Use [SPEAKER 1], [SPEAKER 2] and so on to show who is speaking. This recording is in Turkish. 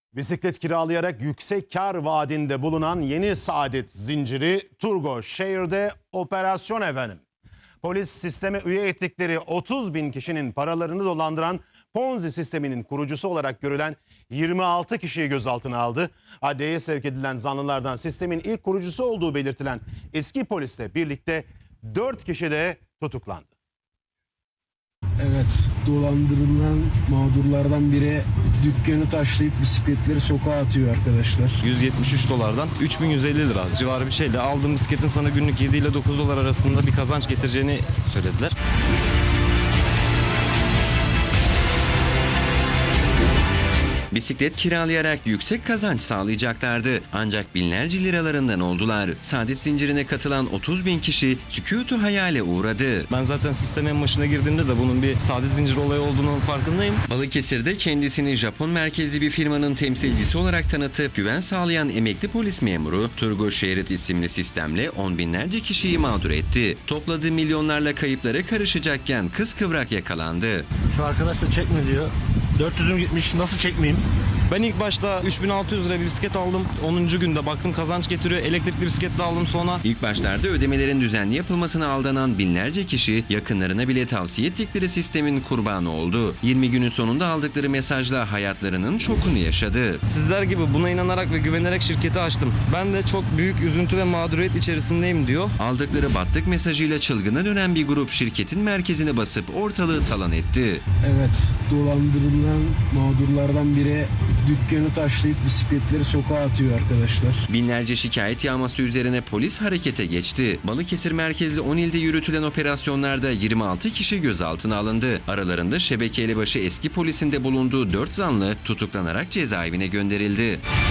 [SPEAKER 1] Bisiklet kiralayarak yüksek kar vaadinde bulunan yeni saadet zinciri Turgo Şehir'de operasyon efendim. Polis sisteme üye ettikleri 30 bin kişinin paralarını dolandıran Ponzi sisteminin kurucusu olarak görülen 26 kişiyi gözaltına aldı. Adliyeye sevk edilen zanlılardan sistemin ilk kurucusu olduğu belirtilen eski polisle birlikte 4 kişi de tutuklandı.
[SPEAKER 2] Evet, dolandırılan mağdurlardan biri dükkanı taşlayıp bisikletleri sokağa atıyor arkadaşlar.
[SPEAKER 3] 173 dolardan 3150 lira civarı bir şeyle aldığım bisikletin sana günlük 7 ile 9 dolar arasında bir kazanç getireceğini söylediler.
[SPEAKER 4] Bisiklet kiralayarak yüksek kazanç sağlayacaklardı. Ancak binlerce liralarından oldular. Saadet zincirine katılan 30 bin kişi sükutu hayale uğradı.
[SPEAKER 3] Ben zaten sistemin başına girdiğimde de bunun bir saadet zinciri olayı olduğunun farkındayım.
[SPEAKER 4] Balıkesir'de kendisini Japon merkezli bir firmanın temsilcisi olarak tanıtıp güven sağlayan emekli polis memuru Turgo Şehir isimli sistemle on binlerce kişiyi mağdur etti. Topladığı milyonlarla kayıplara karışacakken kıskıvrak yakalandı.
[SPEAKER 5] Şu arkadaş da çekme diyor. 400'üm gitmiş, nasıl çekmeyeyim?
[SPEAKER 3] Ben ilk başta 3600 lira bir bisiklet aldım. 10. günde baktım kazanç getiriyor. Elektrikli bisiklet de aldım sonra.
[SPEAKER 4] İlk başlarda ödemelerin düzenli yapılmasına aldanan binlerce kişi yakınlarına bile tavsiye ettikleri sistemin kurbanı oldu. 20 günün sonunda aldıkları mesajla hayatlarının şokunu yaşadı.
[SPEAKER 3] Sizler gibi buna inanarak ve güvenerek şirketi açtım. Ben de çok büyük üzüntü ve mağduriyet içerisindeyim diyor.
[SPEAKER 4] Aldıkları battık mesajıyla çılgına dönen bir grup şirketin merkezine basıp ortalığı talan etti.
[SPEAKER 2] Evet, dolandırılan mağdurlardan biri dükkanı taşlayıp bisikletleri sokağa atıyor arkadaşlar.
[SPEAKER 4] Binlerce şikayet yağması üzerine polis harekete geçti. Balıkesir merkezli 10 ilde yürütülen operasyonlarda 26 kişi gözaltına alındı. Aralarında şebeke elebaşı eski polisinde bulunduğu 4 zanlı tutuklanarak cezaevine gönderildi.